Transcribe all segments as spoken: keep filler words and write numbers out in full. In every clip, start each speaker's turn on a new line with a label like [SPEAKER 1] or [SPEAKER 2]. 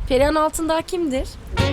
[SPEAKER 1] Perihan Altındağ kimdir?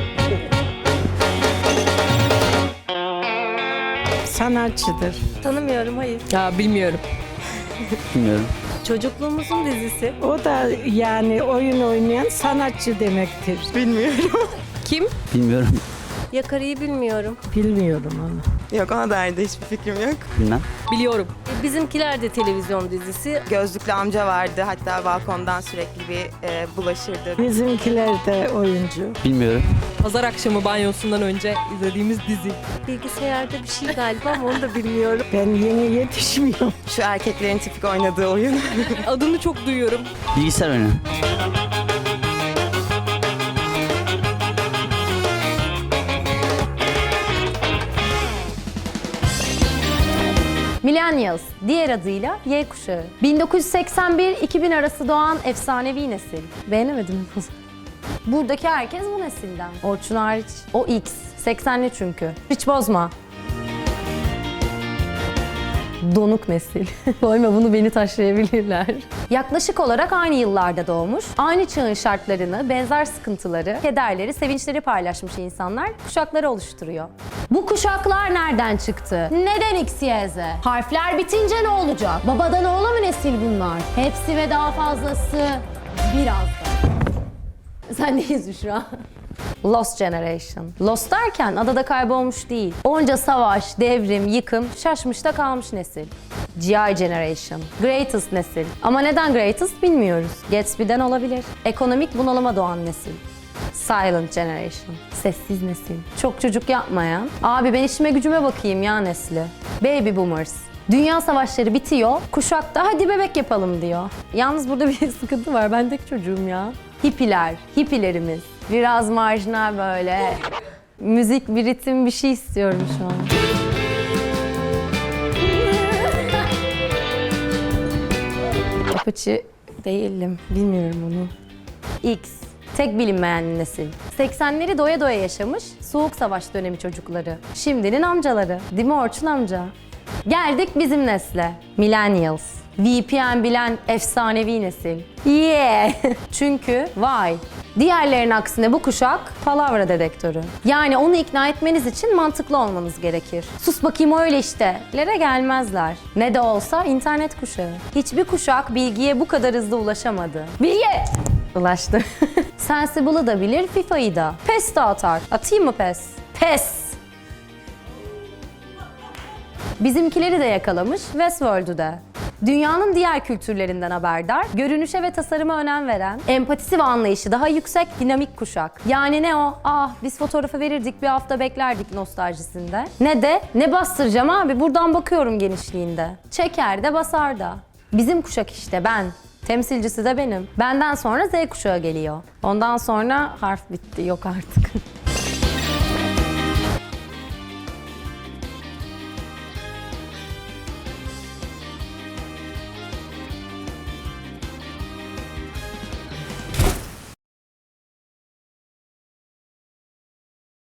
[SPEAKER 2] Sanatçıdır.
[SPEAKER 1] Tanımıyorum, hayır.
[SPEAKER 3] Ya bilmiyorum.
[SPEAKER 4] Bilmiyorum.
[SPEAKER 1] Çocukluğumuzun dizisi.
[SPEAKER 2] O da yani oyun oynayan sanatçı demektir.
[SPEAKER 5] Bilmiyorum.
[SPEAKER 3] Kim?
[SPEAKER 4] Bilmiyorum.
[SPEAKER 1] Yakarı'yı bilmiyorum.
[SPEAKER 2] Bilmiyorum onu.
[SPEAKER 5] Yok, ona dair de hiçbir fikrim yok.
[SPEAKER 4] Bilmem.
[SPEAKER 3] Biliyorum.
[SPEAKER 1] E, Bizimkiler de televizyon dizisi.
[SPEAKER 5] Gözlüklü amca vardı. Hatta balkondan sürekli bir e, bulaşırdı.
[SPEAKER 2] Bizimkiler de oyuncu.
[SPEAKER 4] Bilmiyorum.
[SPEAKER 3] Pazar akşamı banyosundan önce izlediğimiz dizi.
[SPEAKER 1] Bilgisayarda bir şey galiba ama onu da bilmiyorum.
[SPEAKER 2] Ben yeni yetişmiyorum.
[SPEAKER 5] Şu erkeklerin tipik oynadığı oyun.
[SPEAKER 3] Adını çok duyuyorum.
[SPEAKER 4] Bilgisayar oyunu.
[SPEAKER 6] Millennials, diğer adıyla Y kuşağı. bin dokuz yüz seksen bir iki bin arası doğan efsanevi nesil. Beğenemedim mi? Buradaki herkes bu nesilden. Orçun hariç. O X. seksenli çünkü. Hiç bozma. Donuk nesil. Koyma bunu, beni taşlayabilirler. Yaklaşık olarak aynı yıllarda doğmuş, aynı çağın şartlarını, benzer sıkıntıları, kederleri, sevinçleri paylaşmış insanlar kuşakları oluşturuyor. Bu kuşaklar nereden çıktı? Neden X, Y, Z? Harfler bitince ne olacak? Babadan oğula mı nesil bunlar? Hepsi ve daha fazlası birazdan. Sendeyiz Büşra. Lost Generation. Lost derken adada kaybolmuş değil. Onca savaş, devrim, yıkım, şaşmış da kalmış nesil. G I Generation. Greatest nesil. Ama neden greatest bilmiyoruz. Gatsby'den olabilir. Ekonomik bunalıma doğan nesil. Silent Generation. Sessiz nesil. Çok çocuk yapmayan, abi ben işime gücüme bakayım ya nesli. Baby Boomers. Dünya savaşları bitiyor, kuşak da hadi bebek yapalım diyor. Yalnız burada bir sıkıntı var, ben tek çocuğum ya. Hippiler, hippilerimiz. Biraz marjinal böyle. Müzik, bir ritim, bir şey istiyorum şu an. Apache değilim, bilmiyorum onu. X, tek bilinmeyen nesil. seksenleri doya doya yaşamış, soğuk savaş dönemi çocukları. Şimdinin amcaları, değil mi Orçun amca? Geldik bizim nesle. Millennials. V P N bilen efsanevi nesil. Yeah! Çünkü why? Diğerlerinin aksine bu kuşak palavra dedektörü. Yani onu ikna etmeniz için mantıklı olmanız gerekir. Sus bakayım öyle işte. Lere gelmezler. Ne de olsa internet kuşağı. Hiçbir kuşak bilgiye bu kadar hızlı ulaşamadı. Bilgi! Ulaştı. Sensible'ı da bilir, FIFA'yı da. PES de atar. Atayım mı PES? PES! Bizimkileri de yakalamış, Westworld'u da. Dünyanın diğer kültürlerinden haberdar, görünüşe ve tasarıma önem veren, empatisi ve anlayışı daha yüksek, dinamik kuşak. Yani ne o, ah biz fotoğrafı verirdik bir hafta beklerdik nostaljisinde. Ne de, ne bastıracağım abi buradan bakıyorum genişliğinde. Çeker de basar da. Bizim kuşak işte ben. Temsilcisi de benim. Benden sonra Z kuşağı geliyor. Ondan sonra harf bitti, yok artık.